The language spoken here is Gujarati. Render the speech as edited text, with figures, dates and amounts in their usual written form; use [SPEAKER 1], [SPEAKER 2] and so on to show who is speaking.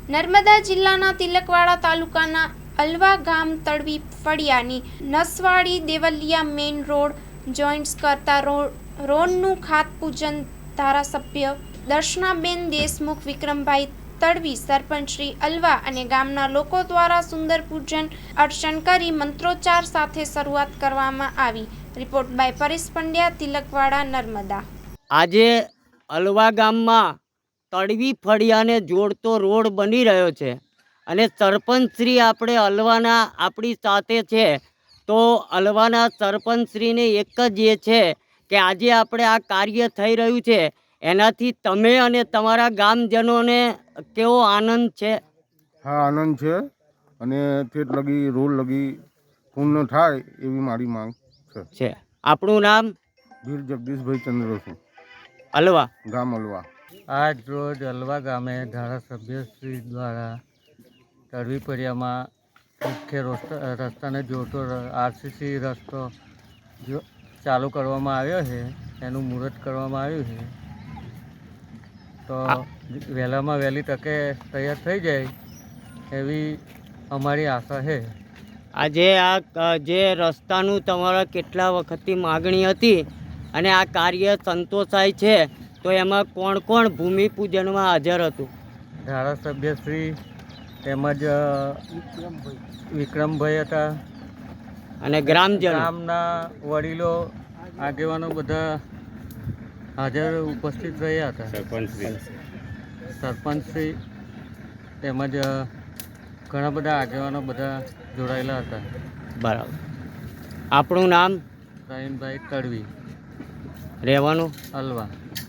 [SPEAKER 1] નર્મદા જિલ્લાના તિલકવાડા તાલુકાના અલવા ગામ તળવી ફળિયાની Naswadi Devaliya main road joints કરતા રોડનું ખાતપૂજન ધારાસભ્ય દર્શનાબેન દેશમુખ, વિક્રમભાઈ તડવી, સરપંચ શ્રી અલવા અને ગામના લોકો દ્વારા સુંદર પૂજન અર્ચન કરી મંત્રોચ્ચાર સાથે શરૂઆત કરવામાં આવી. Report by Paresh Pandya, Tilakwada, Narmada.
[SPEAKER 2] આજે અલવા ગામમાં તળવી ફળિયાને જોડતો રોડ બની રહ્યો છે અને સરપંચશ્રી આપણે અલવાના આપણી સાથે છે. તો અલવાના સરપંચશ્રીને એક જ એ છે કે આજે આપણે આ કાર્ય થઈ રહ્યું છે એનાથી તમે અને તમારા ગામજનોને કેવો આનંદ છે?
[SPEAKER 3] હા, આનંદ છે અને ઠેઠ લગી રોડ લગી પૂર્ણ થાય એવી મારી માંગ છે.
[SPEAKER 2] આપણું નામ?
[SPEAKER 3] વીર જગદીશભાઈ ચંદ્રસુ,
[SPEAKER 2] અલવા,
[SPEAKER 3] ગામ અલવા.
[SPEAKER 4] આજ રોજ અલવા ગામે ધારાસભ્યશ્રી દ્વારા તળવી ફળિયામાં મુખ્ય રસ્તાને જોડતો આરસીસી રસ્તો ચાલુ કરવામાં આવ્યો છે. એનું મુહૂર્ત કરવામાં આવ્યું છે. તો વહેલામાં વહેલી તકે તૈયાર થઈ જાય એવી અમારી આશા છે.
[SPEAKER 2] આજે આ જે રસ્તાનું તમારા કેટલા વખતથી માગણી હતી અને આ કાર્ય સંતોષાય છે, તો એમાં કોણ કોણ ભૂમિપૂજનમાં હાજર હતું?
[SPEAKER 4] ધારાસભ્યશ્રી તેમજ વિક્રમભાઈ હતા
[SPEAKER 2] અને ગ્રામજનો,
[SPEAKER 4] ગામના વડીલો, આગેવાનો બધા હાજર ઉપસ્થિત રહ્યા હતા. સરપંચશ્રી તેમજ ઘણા બધા આગેવાનો બધા જોડાયેલા હતા.
[SPEAKER 2] બરાબર. આપણું નામ?
[SPEAKER 4] રહીમભાઈ તડવી,
[SPEAKER 2] રહેવાનું?
[SPEAKER 4] અલવા.